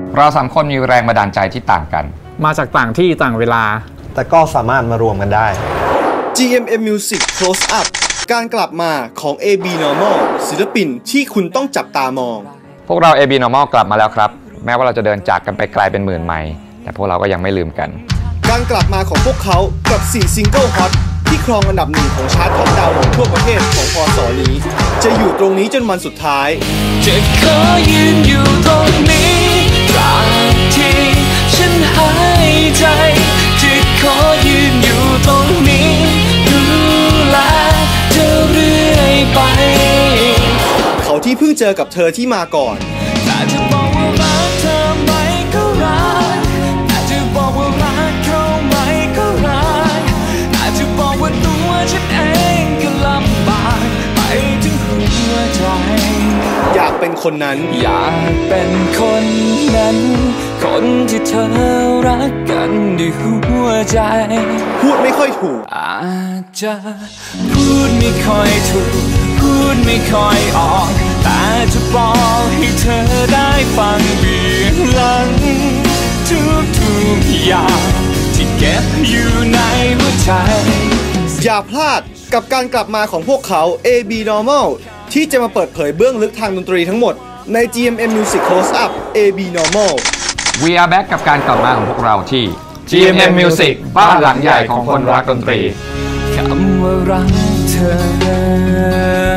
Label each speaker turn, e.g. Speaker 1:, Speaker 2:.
Speaker 1: เรา3 คนมีแรงบันดาลใจที่ต่างกัน
Speaker 2: มาจากต่างที่ต่างเวลา
Speaker 3: แต่ก็สามารถมารวมกันได้
Speaker 4: GMM Music Close Up การกลับมาของ AB Normal ศิลปินที่คุณต้องจับตามอง
Speaker 1: พวกเรา AB Normal กลับมาแล้วครับแม้ว่าเราจะเดินจากกันไปไกลเป็นหมื่นไมล์แต่พวกเราก็ยังไม่ลืมกัน
Speaker 4: การกลับมาของพวกเขากับ4ซิงเกิลฮอตที่ครองอันดับ1ของชาร์ตท็อปดาวน์โหลดทั่วประเทศของพ.ศ.นี้จะอยู่ตรงนี้จนวันสุดท้าย
Speaker 5: จะขอยืนอยู่ตรงนี้ตราบที่ฉันหายใจจะขอยืนอยู่ตรงนี้ดูแลเธอเรื่อยไป
Speaker 4: เขาที่เพิ่งเจอกับเธอที่มาก่อน
Speaker 5: แต่จะบอกว่ารักเธอไหมก็รักแต่จะบอกว่ารักเขาไหมก็รักแต่จะบอกว่าตัวฉันเองก็ลำบากไปถึงหัวใจ
Speaker 4: อยากเป็นคนนั้น
Speaker 5: อยากเป็นคนนั้นคนที่เธอรักกันด้วยหัวใจ
Speaker 4: พูดไม่ค่อยถูก
Speaker 5: อาจจะพูดไม่ค่อยถูกพูดไม่ค่อยออกแต่จะบอกให้เธอได้ฟังเบื้องหลังทุกอย่างที่เก็บอยู่ในหัวใจ
Speaker 4: อย่าพลาดกับการกลับมาของพวกเขา AB Normal ที่จะมาเปิดเผยเบื้องลึกทางดนตรีทั้งหมดใน GMM Music Close Up AB Normal
Speaker 1: We are back กับการกลับมาของพวกเราที่ GMM Music บ้านหลังใหญ่ของคนรักดนตรี
Speaker 5: คำว่ารักเธอ